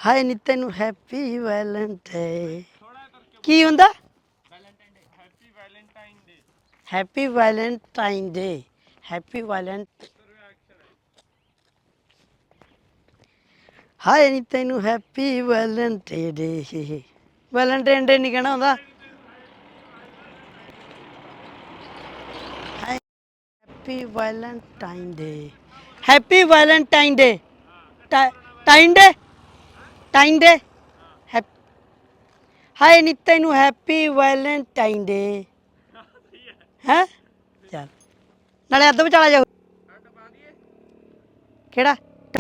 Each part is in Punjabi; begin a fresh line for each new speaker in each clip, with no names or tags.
ਹਾਏ ਨੀ ਤੈਨੂੰ ਹੈਪੀ ਵੈਲੈਂਟਾਈਨ ਕੀ ਹੁੰਦਾ ਹੈਪੀ ਵੈਲੈਂਟਾਈਨ ਡੇ ਹੈਪੀ ਵੈਲੈਂਟ ਹਾਏ ਨੀ ਤੈਨੂੰ happy Valentine day Valentine day ਨਹੀਂ ਕਹਿਣਾ ਹੁੰਦਾ happy Valentine day happy Valentine day ਟਾਈਨ ਡੇ ਟਾਈਨ ਡੇ ਹਾਏ ਨੀ ਤੈਨੂੰ ਹੈਪੀ ਵੈਲੈਂਟਾਈਨ ਡੇ ਹੈ ਚੱਲ ਨਾਲੇ ਅੱਧ ਵਿਚਾਲਾ ਜਾਓ ਕਿਹੜਾ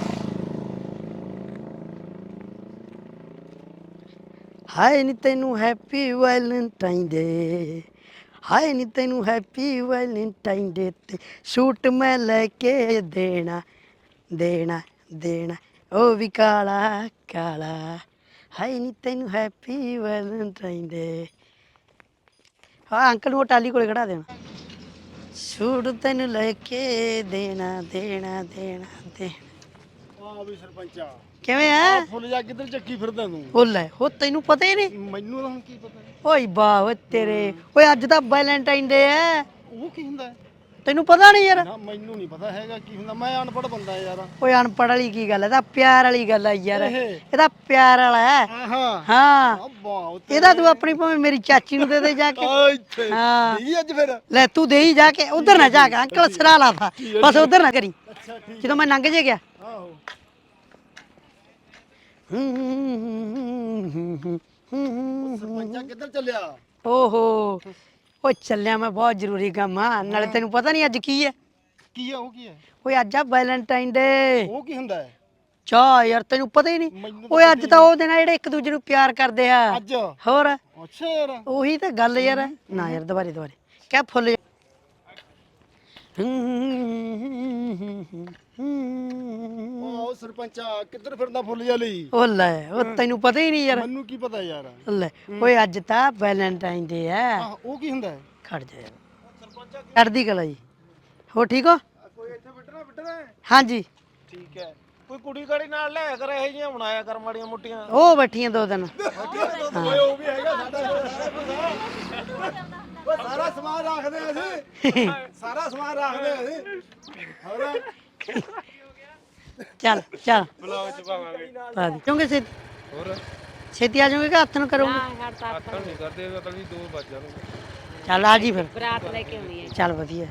ਹਾਏ ਨੀ ਤੈਨੂੰ ਹੈਪੀ ਵੈਲੈਂਟਾਈਨ ਡੇ ਹਾਏ ਨੀ ਤੈਨੂੰ ਹੈਪੀ ਵੈਲੈਂਟਾਈਨ ਡੇ ਤੇ ਸੂਟ ਮੈਂ ਲੈ ਕੇ ਦੇਣਾ ਦੇਣਾ ਦੇਣਾ ਉਹ ਵੀ ਕਾਲਾ ਕਾਲਾ ਹਾਏ ਨੀ ਤੈਨੂੰ ਹੈਪੀ ਵੈਲੈਂਟਾਈਨ ਡੇ ਹਾਂ ਅੰਕਲ ਨੂੰ ਉਹ ਟਾਲੀ ਕੋਲੇ ਖੜਾ ਦੇਣਾ ਸੂਟ ਤੈਨੂੰ ਲੈ ਕੇ ਦੇਣਾ ਦੇਣਾ ਦੇਣਾ ਦੇਣਾ
ਆ ਵੀ ਸਰਪੰਚਾ
ਕਿਵੇਂ
ਆ
ਆ
ਫੁੱਲ ਜਾ ਕਿੱਧਰ ਚੱਕੀ ਫਿਰਦਾ ਤੂੰ
ਉਹ ਲੈ ਉਹ ਤੈਨੂੰ ਪਤਾ ਹੀ ਨਹੀਂ
ਮੈਨੂੰ ਤਾਂ ਹੁਣ ਕੀ ਪਤਾ
ਓਏ ਵਾਹ ਓਏ ਤੇਰੇ ਓਏ ਅੱਜ ਤਾਂ ਵੈਲੈਂਟਾਈਨ ਡੇ ਐ
ਉਹ ਕੀ ਹੁੰਦਾ ਹੈ?
ਤੈਨੂੰ ਪਤਾ ਨਹੀਂ ਯਾਰ
ਨਾ ਮੈਨੂੰ ਨਹੀਂ ਪਤਾ ਹੈਗਾ ਕੀ ਹੁੰਦਾ ਮੈਂ ਅਨਪੜ੍ਹ ਬੰਦਾ ਯਾਰ
ਓਏ ਅਨਪੜ੍ਹ ਵਾਲੀ ਕੀ ਗੱਲ ਐ ਇਹਦਾ ਪਿਆਰ ਵਾਲੀ ਗੱਲ ਆ ਯਾਰ
ਇਹ
ਇਹਦਾ ਪਿਆਰ ਵਾਲਾ ਹੈ
ਆਹਾ
ਹਾਂ
ਆ ਵਾਹ
ਇਹਦਾ ਤੂੰ ਆਪਣੀ ਭਾਵੇਂ ਮੇਰੀ ਚਾਚੀ ਨੂੰ ਦੇ ਦੇ ਜਾ ਕੇ
ਆ ਇੱਥੇ
ਹਾਂ
ਨਹੀਂ ਅੱਜ ਫਿਰ
ਲੈ ਤੂੰ ਦੇ ਹੀ ਜਾ ਕੇ ਉਧਰ ਨਾ ਜਾ ਕੇ ਅੰਕਲ ਸਿਰਾ ਲਾ ਤਾ ਬਸ ਉਧਰ ਨਾ ਕਰੀ
ਅੱਛਾ ਠੀਕ
ਜਦੋਂ ਮੈਂ ਲੰਘ ਜੇ ਗਿਆ
ਆਹੋ ਸਰਪੰਚਾ ਕਿੱਧਰ ਚੱਲਿਆ
ਓਹੋ ਓ ਚੱਲਿਆ ਮੈਂ ਬਹੁਤ ਜ਼ਰੂਰੀ ਕੰਮ ਆ ਨਾਲੇ ਤੈਨੂੰ ਪਤਾ ਨਹੀਂ ਅੱਜ ਕੀ ਹੈ
ਕੀ ਆ ਉਹ ਕੀ ਹੈ
ਓਏ ਅੱਜ ਆ ਵੈਲੈਂਟਾਈਨ ਡੇ
ਉਹ ਕੀ ਹੁੰਦਾ ਹੈ
ਚਾਹ ਯਾਰ ਤੈਨੂੰ ਪਤਾ ਹੀ ਨਹੀਂ
ਮੈਨੂੰ ਤਾਂ
ਓਏ
ਪਤਾ
ਅੱਜ
ਹੀ
ਤਾਂ ਉਹ ਦਿਨ ਆ ਜਿਹੜੇ ਇੱਕ ਦੂਜੇ ਨੂੰ ਪਿਆਰ ਕਰਦੇ ਆ
ਅੱਜ
ਹੋਰ
ਅੱਛਾ ਯਾਰ
ਉਹੀ ਤਾਂ ਗੱਲ ਯਾਰ ਨਾ ਯਾਰ ਦੁਬਾਰੇ ਦੁਬਾਰੇ ਕਿਆ ਫੁੱਲ
ਉਹ ਸਰਪੰਚਾ ਕਿੱਧਰ ਫਿਰਦਾ ਫੁੱਲ ਜਾ ਲਈ
ਉਹ ਲੈ ਉਹ ਤੈਨੂੰ ਪਤਾ ਹੀ ਨਹੀਂ ਯਾਰ
ਮੈਨੂੰ ਕੀ ਪਤਾ ਯਾਰ
ਲੈ ਓਏ ਅੱਜ ਤਾਂ ਵੈਲੈਂਟਾਈਨ ਡੇ ਆ
ਆਹ ਉਹ ਕੀ ਹੁੰਦਾ ਹੈ
ਖੜ ਜਾ ਯਾਰ ਚੜ੍ਹਦੀ ਕਲਾ ਜੀ ਹੋ ਠੀਕ ਹੋ
ਕੋਈ ਇੱਥੇ ਬਿਟਣਾ
ਹਾਂਜੀ
ਠੀਕ ਹੈ ਕੋਈ ਕੁੜੀ ਕਾੜੀ ਨਾਲ ਲੈ ਕਰ ਇਹ ਜੀਆਂ ਬਣਾਇਆ ਕਰ ਮਾੜੀਆਂ ਮੁੱਟੀਆਂ
ਉਹ ਬੈਠੀਆਂ ਦੋ ਦਿਨ
ਓਏ ਉਹ ਵੀ ਹੈਗਾ ਸਾਡਾ ਓਏ ਸਾਰਾ ਸਮਾਨ ਰੱਖਦੇ ਅਸੀਂ ਸਾਰਾ ਸਮਾਨ ਰੱਖਦੇ ਅਸੀਂ ਹੋਰ
ਚੱਲ ਚੱਲ
ਬਲੌਗ ਚ ਪਾਵਾਂਗੇ
ਪਾ ਦੇ ਕਿਉਂਕਿ
ਹੋਰ
ਛੇਤੀ ਆ ਜਾਓਗੇ ਕਿ ਹੱਥ ਨੂੰ ਕਰੋਗੇ
ਆਤਣ ਨਹੀਂ ਕਰਦੇ ਤਾਂ ਵੀ 2 ਵੱਜ ਜਾਣਗੇ
ਚੱਲ ਆ ਜੀ ਫਿਰ
ਬਰਾਤ ਲੈ ਕੇ ਆਉਣੀ ਹੈ
ਚੱਲ ਵਧੀਆ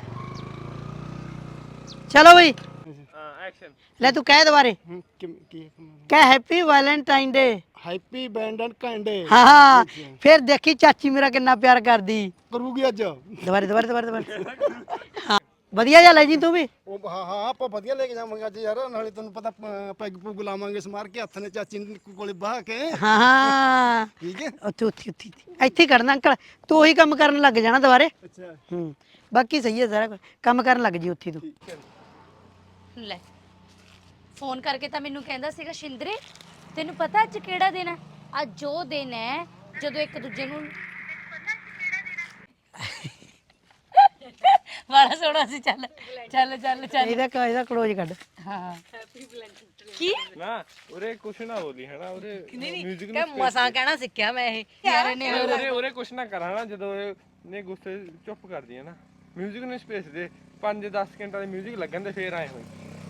ਚਲੋ ਬਈ
ਹਾਂ ਐਕਸ਼ਨ
ਲੈ ਤੂੰ ਕਹਿ ਦੁਬਾਰੇ
ਕੀ
ਕਹਿ ਹੈਪੀ ਵੈਲੈਂਟਾਈਨ ਡੇ
ਹੈਪੀ ਬੈਂਡਨ ਕੰਡੇ
ਹਾਂ ਹਾਂ ਫਿਰ ਦੇਖੀ ਚਾਚੀ ਮੇਰਾ ਕਿੰਨਾ ਪਿਆਰ ਕਰਦੀ
ਕਰੂਗੀ ਅੱਜ
ਦੁਬਾਰੇ ਦੁਬਾਰੇ ਦੁਬਾਰੇ ਦੁਬਾਰੇ ਹਾਂ ਵਧੀਆ ਜਿਹਾ ਲੈ ਜੀ ਤੂੰ ਵੀ
ਉਹ ਹਾਂ ਹਾਂ ਆਪਾਂ ਵਧੀਆ ਲੈ ਕੇ ਜਾਵਾਂਗੇ ਅੱਜ ਯਾਰ ਨਾਲੇ ਤੈਨੂੰ ਪਤਾ ਪੈਗ ਪੁਗ ਲਾਵਾਂਗੇ ਸਮਾਰ ਕੇ ਹੱਥ ਨੇ ਚਾਚੀ ਕੋਲੇ ਬਾਹ ਕੇ
ਹਾਂ ਹਾਂ
ਠੀਕ ਹੈ
ਉੱਥੇ ਉੱਥੇ ਉੱਥੇ ਇੱਥੇ ਹੀ ਕਰਨਾ ਅੰਕਲ ਤੂੰ ਉਹੀ ਕੰਮ ਕਰਨ ਲੱਗ ਜਾਣਾ ਦੁਬਾਰੇ
ਅੱਛਾ
ਹੂੰ ਬਾਕੀ ਸਹੀ ਹੈ ਸਾਰਾ ਕੁਛ। ਕੰਮ ਕਰਨ ਲੱਗ ਜੀ ਉੱਥੇ ਤੂੰ
ਲੈ ਫੋਨ ਕਰਕੇ ਤਾਂ ਮੈਨੂੰ ਕਹਿੰਦਾ ਸੀਗਾ ਸ਼ਿੰਦਰੇ ਤੈਨੂੰ ਪਤਾ ਅੱਜ ਕਿਹੜਾ ਦਿਨ ਹੈ ਅੱਜ ਉਹ ਦਿਨ ਹੈ ਜਦੋਂ ਇੱਕ ਦੂਜੇ ਨੂੰ ਬੜਾ ਸੋਹਣਾ ਸੀ ਚੱਲ ਚੱਲ ਚੱਲ ਚੱਲ
ਇਹਦਾ ਕਲੋਜ਼ ਕੱਢ
ਹਾਂ ਕੀ
ਨਾ ਉਰੇ ਕੁਛ ਨਾ ਬੋਲੀ ਹੈ ਨਾ ਉਰੇ ਮਿਊਜ਼ਿਕ
ਕਿ ਮਸਾਂ ਕਹਿਣਾ ਸਿੱਖਿਆ ਮੈਂ ਇਹ ਯਾਰ ਨੇ
ਉਰੇ ਕੁਛ ਨਾ ਕਰਾਂ ਨਾ ਜਦੋਂ ਇਹ ਨੇ ਗੁੱਸੇ ਚੁੱਪ ਕਰਦੀ ਹੈ ਨਾ ਮਿਊਜ਼ਿਕ ਨੂੰ ਸਪੇਸ ਦੇ 5-10 ਸਕਿੰਟਾਂ ਦੇ ਮਿਊਜ਼ਿਕ ਲੱਗਣ ਤੇ ਫੇਰ ਆਏ ਹੋਏ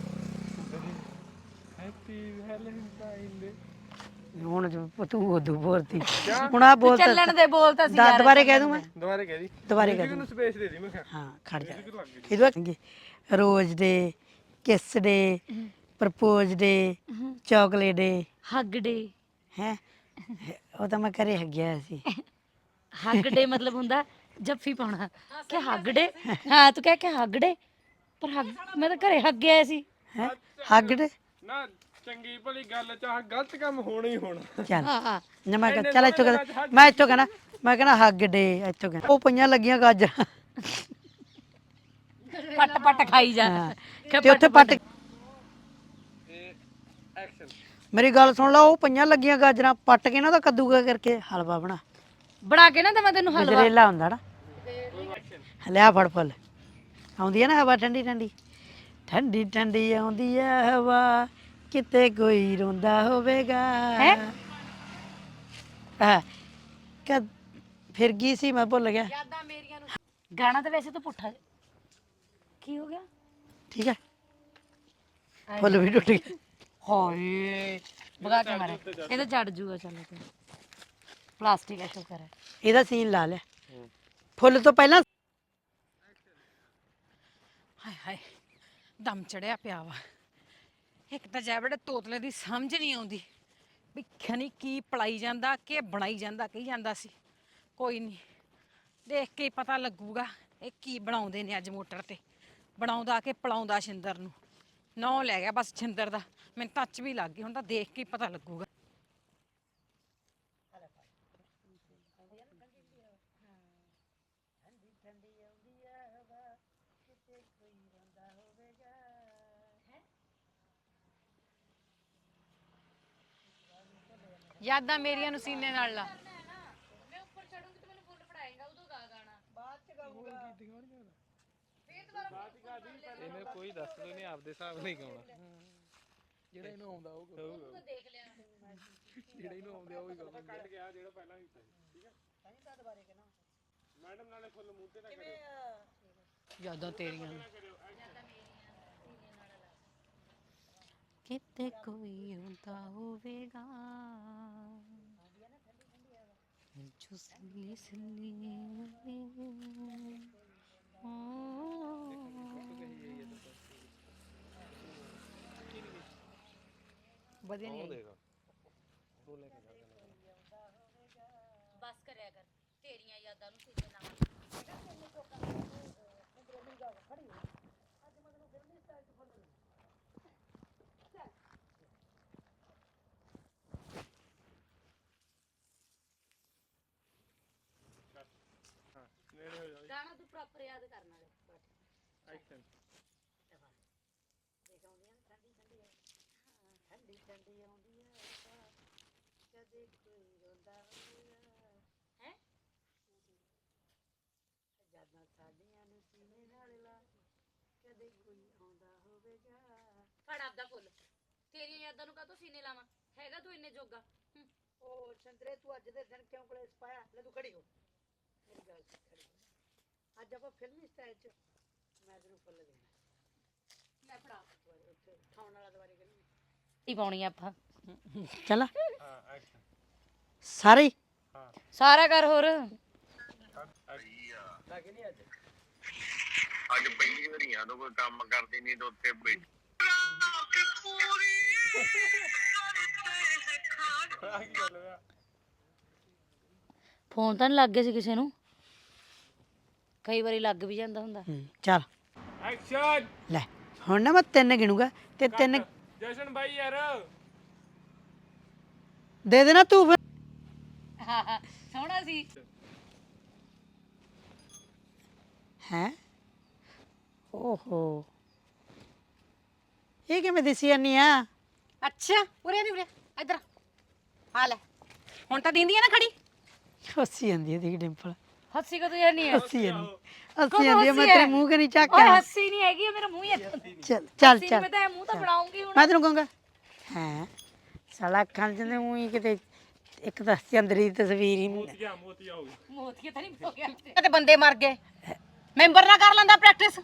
ਹੈਪੀ ਵੈਲੈਂਟਾਈਨ ਡੇ
ਹੁਣ ਤੂੰ ਉਦੋਂ ਬੋਲਤੀ ਹੁਣ ਆ ਬੋਲ
ਚੱਲਣ ਦੇ ਬੋਲ ਤਾਂ ਸੀ ਯਾਰ
ਦੁਬਾਰੇ ਕਹਿ ਦੂੰ ਮੈਂ
ਦੁਬਾਰੇ ਕਹਿ ਦੀ
ਦੁਬਾਰੇ ਕਹਿ
ਮਿਊਜ਼ਿਕ ਨੂੰ ਸਪੇਸ ਦੇ ਦੀ ਮੈਂ ਕਿਹਾ
ਹਾਂ ਖੜ ਜਾ ਇਹਦੇ ਬਾਅਦ ਰੋਜ਼ ਡੇ ਕਿਸ ਡੇ ਪ੍ਰਪੋਜ਼ ਡੇ ਚਾਕਲੇਟ ਡੇ
ਹੱਗ ਡੇ
ਹੈ ਉਹ ਤਾਂ ਮੈਂ ਘਰੇ ਹੱਗਿਆ ਸੀ
ਹੱਗ ਡੇ ਮਤਲਬ ਹੁੰਦਾ ਜੱਫੀ ਪਾਉਣਾ ਕਿ ਹੱਗ ਡੇ ਹਾਂ ਤੂੰ ਕਹਿ ਕੇ ਹੱਗ ਡੇ ਪਰ ਹੱਗ ਮੈਂ ਤਾਂ ਘਰੇ ਹੱਗ ਗਿਆ ਸੀ
ਹੈ ਹੱਗ ਡੇ
ਨਾ ਚੰਗੀ ਭਲੀ ਗੱਲ ਚਾਹ ਗਲਤ ਕੰਮ ਹੋਣਾ ਹੀ ਹੋਣਾ
ਚੱਲ
ਹਾਂ ਹਾਂ
ਨਾ ਮੈਂ ਕਿਹਾ ਚੱਲ ਇੱਥੋਂ ਕਹਿੰਦਾ ਮੈਂ ਇੱਥੋਂ ਕਹਿਣਾ ਮੈਂ ਕਹਿਣਾ ਹੱਗ ਡੇ ਇੱਥੋਂ ਕਹਿਣਾ ਉਹ ਪਈਆਂ ਲੱਗੀਆਂ ਗਾਜਰਾਂ
ਪੱਟ ਪੱਟ ਖਾਈ ਜਾ
ਹਾਂ ਤੇ ਉੱਥੇ ਪੱਟ
ਐਕਸ਼ਨ
ਮੇਰੀ ਗੱਲ ਸੁਣ ਲਾ ਉਹ ਪਈਆਂ ਲੱਗੀਆਂ ਗਾਜਰਾਂ ਪੱਟ ਕੇ ਨਾ ਉਹਦਾ ਕੱਦੂਗਾ ਕਰਕੇ ਹਲਵਾ
ਬਣਾ ਕੇ ਨਾ ਤੇ ਮੈਂ ਤੈਨੂੰ ਹਲਵਾ
ਗਜਰੇਲਾ ਹੁੰਦਾ ਨਾ ਲਿਆ ਫੜ ਫੁੱਲ ਆਉਂਦੀ ਹੈ ਨਾ ਹਵਾ ਠੰਡੀ ਠੰਡੀ ਠੰਡੀ ਠੰਡੀ ਆਉਂਦੀ ਹੈ ਹਵਾ ਕਿਤੇ ਕੋਈ ਰੋਂਦਾ ਹੋਵੇਗਾ
ਹੈਂ?
ਆ ਕਦ ਫਿਰ ਗਈ ਸੀ ਮੈਂ ਭੁੱਲ ਗਿਆ
ਗਾਣਾ ਤਾਂ ਵੈਸੇ ਤਾਂ ਪੁੱਠਾ ਕੀ ਹੋ ਗਿਆ
ਠੀਕ ਹੈ ਫੁੱਲ ਵੀ ਟੁੱਟ ਗਿਆ
ਹਾਏ ਭਗਾ ਕੇ ਮਾਰੇ ਇਹ ਤਾਂ ਜੜ ਜੂਗਾ ਚੱਲ ਤੇ ਪਲਾਸਟਿਕ ਹੈ ਸ਼ੁਕਰ ਹੈ
ਇਹਦਾ ਸੀਨ ਲਾ ਲਿਆ ਫੁੱਲ ਤੋਂ ਪਹਿਲਾਂ
ਹਾਏ ਹਾਏ ਦਮ ਚੜਿਆ ਪਿਆ ਵਾ ਇੱਕ ਤਾਂ ਜੈਬੜੇ ਤੋਤਲੇ ਦੀ ਸਮਝ ਨਹੀਂ ਆਉਂਦੀ ਵੀ ਖਣੀ ਕੀ ਪਲਾਈ ਜਾਂਦਾ ਕਿ ਬਣਾਈ ਜਾਂਦਾ ਕਹੀ ਜਾਂਦਾ ਸੀ ਕੋਈ ਨਹੀਂ ਦੇਖ ਕੇ ਹੀ ਪਤਾ ਲੱਗੂਗਾ ਇਹ ਕੀ ਬਣਾਉਂਦੇ ਨੇ ਅੱਜ ਮੋਟਰ ਤੇ ਬਣਾਉਂਦਾ ਕਿ ਪਲਾਉਂਦਾ ਛਿੰਦਰ ਨੂੰ ਨੌ ਲੈ ਗਿਆ ਬਸ ਛਿੰਦਰ ਦਾ ਮੈਨੂੰ ਟੱਚ ਵੀ ਲੱਗ ਗਈ ਹੁਣ ਤਾਂ ਦੇਖ ਕੇ ਹੀ ਪਤਾ ਲੱਗੂਗਾ ਯਾਦਾਂ ਮੇਰੀਆਂ ਨੂੰ ਸੀਨੇ ਨਾਲ ਲਾ
ਮੈਂ ਉੱਪਰ ਚੜੂੰਗੀ ਤੇ ਮੈਨੂੰ ਫੁੱਲ ਫੜਾਏਗਾ ਉਦੋਂ ਗਾ ਗਾਣਾ
ਇਹਨੇ ਕੋਈ ਦੱਸ ਦੋ ਨਹੀਂ ਆਪਦੇ ਹਿਸਾਬ ਨਹੀਂ ਗਾਉਣਾ
ਜਿਹੜਾ ਇਹਨੂੰ ਆਉਂਦਾ ਉਹ
ਦੇਖ ਲਿਆ
ਜਿਹੜਾ ਇਹਨੂੰ ਆਉਂਦਾ ਉਹ ਹੀ ਗਾਉਂਦਾ
ਕੱਢ ਗਿਆ ਜਿਹੜਾ ਪਹਿਲਾਂ ਕੀਤਾ ਸੀ ਠੀਕ ਹੈ ਤਾਂ ਦੁਬਾਰੇ ਕਹਿਣਾ ਮੈਡਮ ਨਾਲੇ ਫੁੱਲ ਮੂੰਹ ਤੇ ਨਾ ਕਰਿਓ
ਯਾਦਾਂ ਤੇਰੀਆਂ ਨੂੰ ਕਿਤੇ ਕੋਈ ਹੁੰਦਾ ਹੋਵੇਗਾ ਜੋ ਸਿੱਲੀ ਸਿੱਲੀ ਵਧੀਆ ਨਹੀਂ ਆਈ
ਬਸ ਕਰਿਆ ਕਰ ਤੇਰੀਆਂ ਯਾਦਾਂ ਨੂੰ ਸੀਨੇ ਨਾਲ
ਨੇੜੇ ਹੋ ਜਾਓ
ਗਾਣਾ ਤੂੰ ਪ੍ਰੋਪਰ ਯਾਦ ਕਰਨਾ ਹੈ
ਐਕਸ਼ਨ
ਠੰਡੀ ਠੰਡੀ ਆਉਂਦੀ ਹੈ ਕਦੇ ਕੋਈ ਰੋਂਦਾ ਹੋਵੇਗਾ
ਹੈ
ਜਾਨਾਂ ਸਾਡੀਆਂ ਨੂੰ ਸੀਨੇ ਨਾਲ ਲਾ ਕਦੇ ਕੋਈ ਆਉਂਦਾ ਹੋਵੇਗਾ
ਫੜ ਆਪਦਾ ਫੁੱਲ ਤੇਰੀਆਂ ਯਾਦਾਂ ਨੂੰ ਕਾਹਤੋਂ ਸੀਨੇ ਲਾਵਾਂ ਹੈਗਾ ਤੂੰ ਇੰਨੇ ਜੋਗਾ
ਉਹ ਚੰਦਰੇ ਤੂੰ ਅੱਜ ਦੇ ਦਿਨ ਕਿਉਂ ਕਲੇਸ਼ ਪਾਇਆ ਲੈ ਤੂੰ ਖੜੀ ਹੋ ਮੇਰੀ ਗੱਲ ਸੁਣ ਖੜੀ ਹੋ ਅੱਜ ਆਪਾਂ ਫਿਲਮੀ ਸਟਾਈਲ ਚ ਮੈਂ ਤੈਨੂੰ ਫੁੱਲ ਦੇਣਾ
ਲੈ ਫੜਾ
ਉੱਥੇ ਖਾਣ ਵਾਲਾ ਦੁਬਾਰੇ ਕਰੀ
ਹੀ ਪਾਉਣੀ ਆਪਾਂ
ਚਲਾ
ਹਾਂ ਐਕਸ਼ਨ
ਸਾਰੇ
ਹਾਂ
ਸਾਰਾ ਕਰ ਹੋਰ
ਅੱਜ ਪਹਿਲੀ ਵਾਰੀ ਆ ਕੋਈ ਕੰਮ ਕਰਦੀ ਨਹੀਂ ਤੇ ਉੱਥੇ ਬੈਠ
ਆ ਕੀ ਗੱਲ ਹੋਇਆ
ਫੋਨ ਤਾਂ ਨਹੀਂ ਲੱਗ ਗਿਆ ਸੀ ਕਿਸੇ ਨੂੰ ਕਈ ਵਾਰੀ ਲੱਗ ਵੀ ਜਾਂਦਾ ਹੁੰਦਾ
ਚੱਲ
ਐਕਸ਼ਨ
ਲੈ ਹੁਣ ਨਾ ਮੈਂ ਤਿੰਨ ਗਿਣੂਗਾ ਤੇ ਤਿੰਨ
ਜਸ਼ਨ ਬਾਈ ਯਾਰ
ਦੇ ਦੇਣਾ ਤੂੰ ਫਿਰ
ਸੋਹਣਾ ਸੀ
ਹੈ ਓਹੋ ਇਹ ਕਿਵੇਂ ਦਿਸੀ ਜਾਨੀ ਆ
ਅੱਛਾ ਉਰੇ ਨਹੀਂ ਉਰੇ ਇੱਧਰ ਆ ਲੈ ਹੁਣ ਤਾਂ ਦਿੰਦੀ ਆ ਨਾ ਖੜੀ
ਹੱਸੀ ਜਾਂਦੀ ਹੈ ਦੇਖ ਡਿੰਪਲ
ਹੱਸੀ ਕਦੋਂ ਜਾਨੀ ਹੈ
ਹੱਸੀ ਜਾਂਦੀ ਹੈ ਮੈਂ ਤੇਰੇ ਮੂੰਹ ਕਰੀ ਚੱਕ
ਓਏ
ਕੇ
ਹੱਸੀ ਨਹੀਂ ਹੈਗੀ ਇਹ ਮੇਰਾ ਮੂੰਹ ਹੀ ਹੈ
ਚੱਲ ਚੱਲ
ਹੱਸੀ ਨੀ,
ਚੱਲ
ਮੈਂ ਤਾਂ ਇਹ ਮੂੰਹ ਤਾਂ ਬਣਾਉਂਗੀ ਹੁਣ
ਮੈਂ ਤੈਨੂੰ ਕਹੂੰਗਾ ਹੈ ਸਾਲਾ ਅੱਖਾਂ ਚ ਉਹੀ ਕਿਤੇ ਇੱਕ ਤਾਂ ਚੰਦਰੀ ਦੀ ਤਸਵੀਰ ਹੀ ਨਹੀਂ
ਮੋਤੀਆ ਹੋ ਗਿਆ
ਮੋਤੀਆ ਤਾਂ ਨਹੀਂ ਹੋ ਗਿਆ
ਤੇ ਬੰਦੇ ਮਰ ਗਏ ਮੈਂਬਰ ਨਾ ਕਰ ਲੈਂਦਾ ਪ੍ਰੈਕਟਿਸ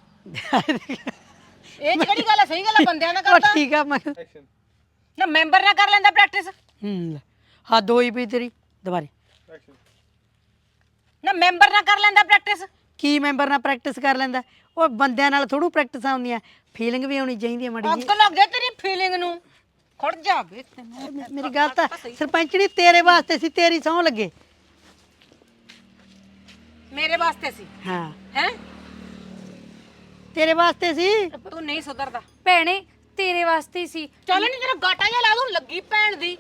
ਇਹ ਚ ਕਿਹੜੀ ਗੱਲ ਹੈ ਸਹੀ ਗੱਲ ਹੈ ਬੰਦਿਆਂ ਨਾਲ
ਉਹ
ਕਰਦਾ
ਠੀਕ ਆ ਮੈਂ
ਐਕਸ਼ਨ
ਨਾ ਮੈਂਬਰ ਨਾ ਕਰ ਲੈਂਦਾ ਪ੍ਰੈਕਟਿਸ
ਲੈ। ਹਾਂ ਦੋ ਹੀ ਪਈ ਤੇਰੀ ਦੁਬਾਰੇ
ਐਕਸ਼ਨ
ਨਾ ਮੈਂਬਰ ਨਾ ਕਰ ਲੈਂਦਾ ਪ੍ਰੈਕਟਿਸ
ਕੀ ਮੈਂਬਰ ਨਾਲ ਪ੍ਰੈਕਟਿਸ ਕਰ ਲੈਂਦਾ ਉਹ ਬੰਦਿਆਂ ਨਾਲ ਥੋੜੂ ਪ੍ਰੈਕਟਿਸਾਂ ਹੁੰਦੀਆਂ ਫੀਲਿੰਗ ਵੀ ਹੋਣੀ ਚਾਹੀਦੀ ਹੈ ਮਾੜੀ
ਅੱਗ ਲੱਗ ਜਾ ਤੇਰੀ ਫੀਲਿੰਗ ਨੂੰ ਖੜ ਜਾ ਵੇ ਤੈਨੂੰ
ਜਿਹੀ ਮੇਰੀ ਗੱਲ ਤਾਂ ਸਰਪੰਚਣੀ ਤੇਰੇ ਵਾਸਤੇ ਸੀ ਤੇਰੀ ਸਹੁੰ ਲੱਗੇ
ਮੇਰੇ ਵਾਸਤੇ ਸੀ
ਹਾਂ
ਹੈ
ਤੇਰੇ ਵਾਸਤੇ ਸੀ
ਤੂੰ ਨਹੀਂ ਸੁਧਰਦਾ
ਭੈਣੇ ਤੇਰੇ ਵਾਸਤੇ ਹੀ ਸੀ
ਚੱਲ ਨਹੀਂ ਤੇਰਾ ਗਾਟਾ ਜਿਹਾ ਲਾ ਦੂੰ ਲੱਗੀ ਭੈਣ ਦੀ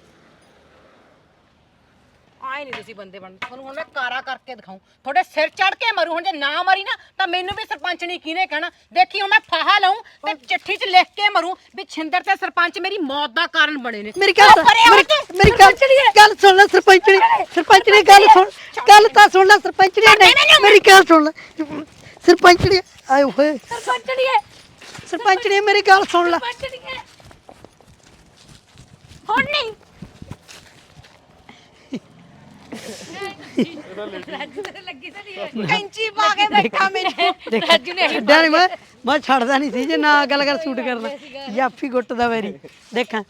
ਆਏ ਨਹੀਂ ਤੁਸੀਂ ਬੰਦੇ ਬਣ ਤੁਹਾਨੂੰ ਹੁਣ ਮੈਂ ਕਾਰਾ ਕਰਕੇ ਦਿਖਾਉਂ ਤੁਹਾਡੇ ਸਿਰ ਚੜ ਕੇ ਮਰੂ ਹੁਣ ਜੇ ਨਾ ਮਰੀ ਨਾ ਤਾਂ ਮੈਨੂੰ ਵੀ ਸਰਪੰਚ ਨਹੀਂ ਕਿਹਨੇ ਕਹਿਣਾ ਦੇਖੀ ਹੁਣ ਮੈਂ ਫਾਹਾ ਲਾਉਂ ਤੇ ਚਿੱਠੀ 'ਚ ਲਿਖ ਕੇ ਮਰੂ ਵੀ ਛਿੰਦਰ ਤੇ ਸਰਪੰਚ ਮੇਰੀ ਮੌਤ ਦਾ ਕਾਰਨ ਬਣੇ ਨੇ
ਮੇਰੀ ਗੱਲ
ਉਹ ਪਰੇ ਹੋ ਤੂੰ।
ਮੇਰੀ ਗੱਲ ਸੁਣ ਲੈ ਸਰਪੰਚਣੀ ਗੱਲ ਸੁਣ ਗੱਲ ਤਾਂ ਸੁਣ ਲੈ ਸਰਪੰਚਣੀ ਨੇ ਮੇਰੀ ਗੱਲ ਸੁਣ ਲੈ ਸਰਪੰਚਣੀ ਆਏ ਹੋਏ
ਸਰਪੰਚੜੀ ਹੈ
ਸਰਪੰਚਣੀ ਮੇਰੀ ਗੱਲ ਸੁਣ ਲੈ
ਸਰਪੰਚੜੀ ਹੈ
ਹੁਣ ਨਹੀਂ ਰਾਜੂ ਤੇ ਲੱਗੀ ਤਾਂ ਨਹੀਂ ਕੈਂਚੀ ਪਾ ਕੇ ਬੈਠਾ ਮੇਰੇ ਰਾਜੂ ਨੇ
ਛੱਡਿਆ ਨਹੀਂ ਮੈਂ ਛੱਡਦਾ ਨਹੀਂ ਸੀ ਜੇ ਨਾ ਗੱਲ ਕਰ ਸ਼ੂਟ ਕਰਨਾ ਜਾਫੀ ਗੁੱਟ ਦਾ ਵੈਰੀ ਦੇਖਾਂ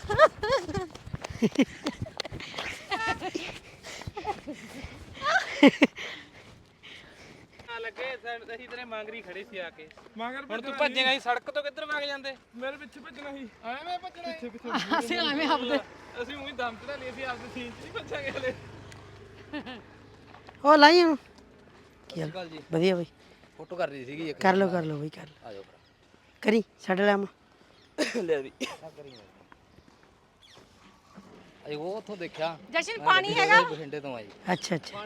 ਲੱਗੇ ਅਸੀਂ ਤੇਰੇ ਮੰਗਰੀ ਖੜੇ ਸੀ ਆ ਕੇ
ਮਗਰ
ਹੁਣ ਤੂੰ ਭੱਜੇਗਾ ਹੀ ਸੜਕ ਤੋਂ ਕਿੱਧਰ ਵਗ ਜਾਂਦੇ
ਮੇਰੇ ਪਿੱਛੇ ਭੱਜਣਾ ਸੀ
ਐਵੇਂ ਭੱਜਣਾ
ਪਿੱਛੇ ਪਿੱਛੇ
ਅਸੀਂ ਐਵੇਂ ਹੱਬਦੇ
ਅਸੀਂ ਉਹੀ ਦਮ ਚੜਾ ਲਈ ਸੀ ਆਪਦੇ ਸੀਨ 'ਚ ਨਹੀਂ ਭੱਜਾਂਗੇ ਹਲੇ
ਉਹ ਲਾਈ ਉਹਨੂੰ ਕੀ ਹਾਲ
ਗੱਲ ਜੀ
ਵਧੀਆ ਬਈ
ਫੋਟੋ ਕਰ ਰਹੀ ਸੀਗੀ ਇੱਕ
ਕਰ ਲਓ ਬਈ ਕਰ ਲਓ
ਆ ਜਾਓ
ਕਰੀ ਛੱਡ ਲੈ ਮੈਂ
ਲੈ ਵੀ ਅਈ ਉਹ ਉੱਥੋਂ ਦੇਖਿਆ
ਜਸ਼ਨ ਪਾਣੀ ਹੈਗਾ
ਬਠਿੰਡੇ ਤੋਂ ਆਈ
ਅੱਛਾ ਅੱਛਾ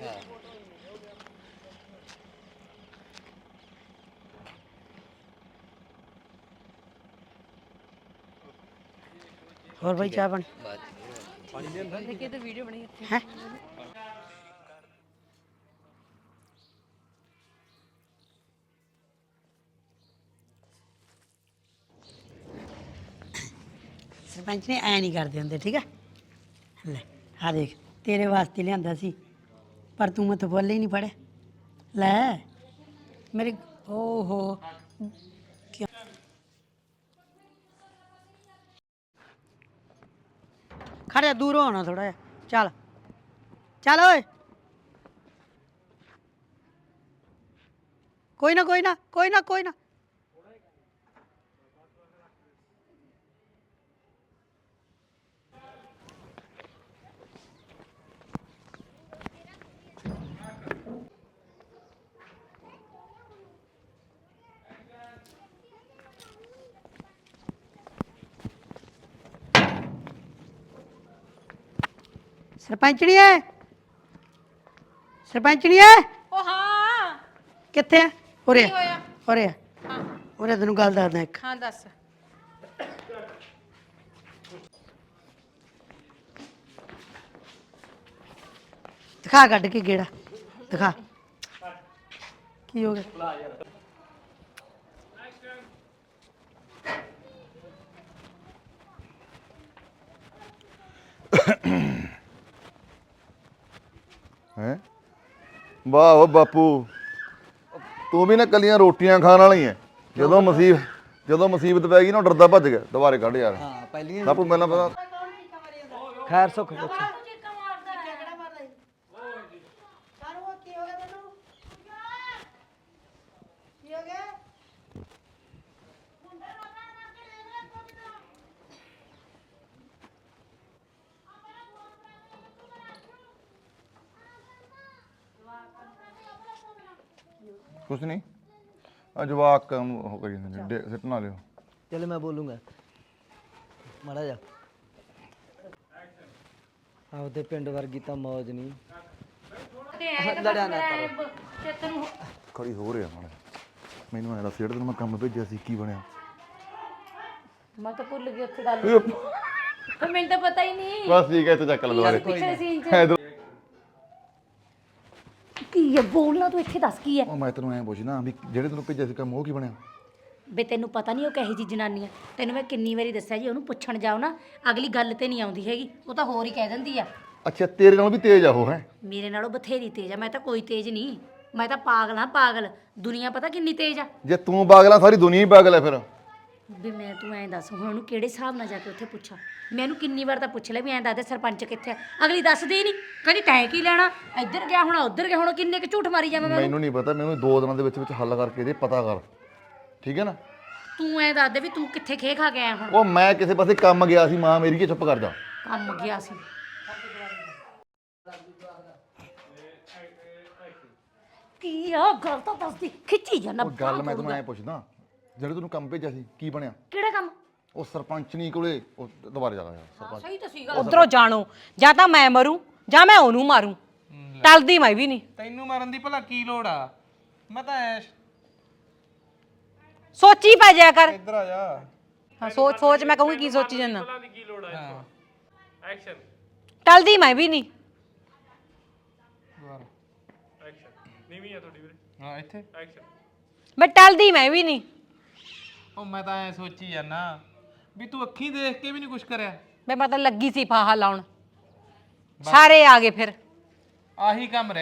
ਹੋਰ ਭਾਈ ਚਾਹ ਪਾਣੀ
ਦੇਖੇ ਤਾਂ ਵੀਡੀਓ ਬਣੀ ਇੱਥੇ
ਹੈ ਸਰਪੰਚ ਨੇ ਐ ਨਹੀਂ ਕਰਦੇ ਹੁੰਦੇ ਠੀਕ ਹੈ ਲੈ ਆ ਦੇਖ ਤੇਰੇ ਵਾਸਤੇ ਲਿਆਂਦਾ ਸੀ ਪਰ ਤੂੰ ਮੈਥੋਂ ਬੋਲ ਹੀ ਨਹੀਂ ਪੜਿਆ ਲੈ ਮੇਰੇ ਓਹੋ ਕਿਉਂ ਖੜਿਆ ਦੂਰ ਹੋਣਾ ਥੋੜਾ ਜਿਹਾ ਚੱਲ ਚੱਲ ਓਏ ਕੋਈ ਨਾ ਕੋਈ ਨਾ ਕੋਈ ਨਾ ਕੋਈ ਨਾ ਸਰਪੰਚਣੀ ਹੈ ਸਰਪੰਚਣੀ ਹੈ
ਉਹ ਹਾਂ
ਕਿੱਥੇ ਆ ਉਰੇ
ਕੀ ਹੋਇਆ?
ਉਰੇ
ਹਾਂ
ਉਰੇ ਤੈਨੂੰ ਗੱਲ ਦੱਸਦਾ ਇੱਕ
ਹਾਂ ਦੱਸ
ਦਿਖਾ ਕੱਢ ਕੇ ਗੇੜਾ ਦਿਖਾ ਕੀ ਹੋ ਗਿਆ
ਹੈ ਵਾਹ ਓ ਬਾਪੂ ਤੂੰ ਵੀ ਨਾ ਕੱਲੀਆਂ ਰੋਟੀਆਂ ਖਾਣ ਵਾਲੀ ਐ ਜਦੋਂ ਮੁਸੀਬਤ ਪੈ ਗਈ ਨਾ ਉਹ ਡਰਦਾ ਭੱਜ ਗਿਆ ਦੁਬਾਰੇ ਕੱਢ ਯਾਰ
ਹਾਂ ਪਹਿਲੀਆਂ
ਬਾਪੂ ਮੈਨੂੰ ਪਤਾ
ਖੈਰ ਸੁੱਖ ਪੁੱਛ
ਕੁਛ ਨਹੀਂ ਆ ਜਵਾਕ ਨੂੰ ਉਹ ਕਰੀ ਜਾਂਦੇ ਨੇ ਸਿੱਟ ਨਾ ਲਿਓ
ਚਲ ਮੈਂ ਬੋਲੂੰਗਾ ਮਾੜਾ ਜਾ ਆਪਦੇ ਪਿੰਡ ਵਰਗੀ ਤਾਂ ਮੌਜ ਨਹੀਂ ਲੜਿਆ ਨਾ ਕਰੋ
ਖੜੀ ਹੋ ਰਿਹਾ ਮਾੜਾ ਮੈਨੂੰ ਐਂ ਦੱਸ ਜਿਹੜਾ ਤੈਨੂੰ ਮੈਂ ਕੰਮ ਭੇਜਿਆ ਸੀ ਕੀ ਬਣਿਆ
ਮੈਂ ਤਾਂ ਭੁੱਲ ਗਈ ਉੱਥੇ ਗੱਲ ਫਿਰ ਮੈਨੂੰ ਤਾਂ ਪਤਾ ਹੀ ਨਹੀਂ
ਬਸ ਠੀਕ ਹੈ ਇੱਥੇ ਚੱਕ ਲੈ ਦੁਬਾਰੇ
ਪਿਛਲੇ ਸੀਨ 'ਚ ਕੀ ਹੈ ਬੋਲਣਾ ਤੂੰ ਇੱਥੇ ਦੱਸ ਕੀ ਹੈ
ਉਹ ਮੈਂ ਤੈਨੂੰ ਐਂ ਪੁੱਛਣਾ ਵੀ ਜਿਹੜੇ ਤੈਨੂੰ ਭੇਜਿਆ ਸੀ ਕੰਮ ਉਹ ਕੀ ਬਣਿਆ
ਬੇ ਤੈਨੂੰ ਪਤਾ ਨਹੀਂ ਉਹ ਕਹੀ ਜੀ ਜਨਾਨੀ ਆ ਤੈਨੂੰ ਮੈਂ ਕਿੰਨੀ ਵਾਰੀ ਦੱਸਿਆ ਜੀ ਉਹਨੂੰ ਪੁੱਛਣ ਜਾਓ ਨਾ ਅਗਲੀ ਗੱਲ ਤੇ ਨਹੀਂ ਆਉਂਦੀ ਹੈਗੀ ਉਹ ਤਾਂ ਹੋਰ ਹੀ ਕਹਿ ਦਿੰਦੀ ਆ
ਅੱਛਾ ਤੇਰੇ ਨਾਲੋਂ ਵੀ ਤੇਜ਼ ਆ ਉਹ ਹੈ
ਮੇਰੇ ਨਾਲੋਂ ਬਥੇਰੀ ਤੇਜ਼ ਆ ਮੈਂ ਤਾਂ ਕੋਈ ਤੇਜ਼ ਨਹੀਂ ਮੈਂ ਤਾਂ ਪਾਗਲ ਹਾਂ ਪਾਗਲ ਦੁਨੀਆ ਪਤਾ ਕਿੰਨੀ ਤੇਜ਼ ਆ
ਜੇ ਤੂੰ ਪਾਗਲ ਆ ਸਾਰੀ ਦੁਨੀਆ ਹੀ ਪਾਗਲ ਹੈ ਫਿਰ
ਵੀ ਮੈਂ ਤੂੰ ਐਂ ਦੱਸ ਹੁਣ ਉਹਨੂੰ ਕਿਹੜੇ ਹਿਸਾਬ ਨਾਲ ਜਾ ਕੇ ਉੱਥੇ ਪੁੱਛਾਂ ਮੈਨੂੰ ਕਿੰਨੀ ਵਾਰ ਤਾਂ ਪੁੱਛ ਲਿਆ ਵੀ ਐਂ ਦੱਸ ਦੇ ਸਰਪੰਚ ਕਿੱਥੇ ਆ ਅਗਲੀ ਦੱਸਦੀ ਹੀ ਨਹੀਂ ਕਹਿੰਦੀ ਤੈਂ ਕੀ ਲੈਣਾ ਇੱਧਰ ਗਿਆ ਹੁਣ ਉੱਧਰ ਗਿਆ ਹੁਣ ਕਿੰਨੇ ਕੁ ਝੂਠ ਮਾਰੀ ਜਾਵਾਂ ਮੈਂ
ਮੈਨੂੰ ਨਹੀਂ ਪਤਾ ਮੈਨੂੰ 2 ਦਿਨਾਂ ਦੇ ਵਿੱਚ ਹੱਲ ਕਰਕੇ ਦੇ ਪਤਾ ਕਰ ਠੀਕ ਹੈ ਨਾ
ਤੂੰ ਐਂ ਦੱਸ ਦੇ ਵੀ ਤੂੰ ਕਿੱਥੇ ਖੇ ਖਾ ਕੇ ਆਇਆ ਹੁਣ
ਉਹ ਮੈਂ ਕਿਸੇ ਪਾਸੇ ਕੰਮ ਗਿਆ ਸੀ ਮਾਂ ਮੇਰੀ ਕੀ ਚੁੱਪ ਕਰ ਜਾ
ਕੰਮ ਗਿਆ ਸੀ ਕੀ ਆ ਗੱਲ ਤਾਂ ਦੱਸਦੀ ਖਿੱਚੀ ਜਾਣਾ
ਉਹ ਗੱਲ ਮੈਂ ਤੈਨੂੰ ਐਂ ਪੁੱਛਦਾ ਜਿਹੜੇ ਤੈਨੂੰ ਕੰਮ ਭੇਜਿਆ ਸੀ ਕੀ ਬਣਿਆ
ਕਿਹੜਾ ਕੰਮ
ਉਹ ਸਰਪੰਚਨੀ ਕੋਲੇ ਉਹ ਦੁਬਾਰੇ ਜਾ ਯਾਰ ਸਰਪੰਚ
ਸਹੀ ਤਾਂ ਸੀਗਾ
ਉਧਰੋਂ ਜਾਣੋ ਜਾਂ ਤਾਂ ਮੈਂ ਮਰੂੰ ਜਾਂ ਮੈਂ ਉਹਨੂੰ ਮਾਰੂੰ ਟਲਦੀ ਮੈਂ ਵੀ ਨਹੀਂ
ਤੈਨੂੰ ਮਾਰਨ ਦੀ ਭਲਾ ਕੀ ਲੋੜ ਆ ਮੈਂ ਤਾਂ ਐਸ਼
ਸੋਚੀ ਪੈ ਜਾਇਆ ਕਰ
ਇੱਧਰ ਆ ਜਾ
ਹਾਂ ਸੋਚ ਸੋਚ ਮੈਂ ਕਹੂੰਗੀ ਕੀ ਸੋਚੀ ਜੰਨਾ
ਦੀ ਕੀ ਲੋੜ ਹੈ ਐਕਸ਼ਨ
ਟਲਦੀ ਮੈਂ ਵੀ ਨਹੀਂ
ਐਕਸ਼ਨ ਨੀਵੀਂ ਆ ਤੁਹਾਡੀ ਵੀਰੇ
ਹਾਂ ਇੱਥੇ
ਐਕਸ਼ਨ
ਮੈਂ ਟਲਦੀ ਮੈਂ ਵੀ ਨਹੀਂ
ਉਹ ਮੈਂ ਤਾਂ ਐ ਸੋਚੀ ਜਾਂਦਾ ਵੀ ਤੂੰ ਅੱਖੀਂ ਦੇਖ ਕੇ ਵੀ ਨਹੀਂ ਕੁਝ ਕਰਿਆ
ਮੈਂ ਮਤਲਬ ਲੱਗੀ ਸੀ ਫਾਹਾ ਲਾਉਣ ਸਾਰੇ ਆ ਗਏ ਫਿਰ
ਆਹੀ ਕੰਮ ਰਹਿ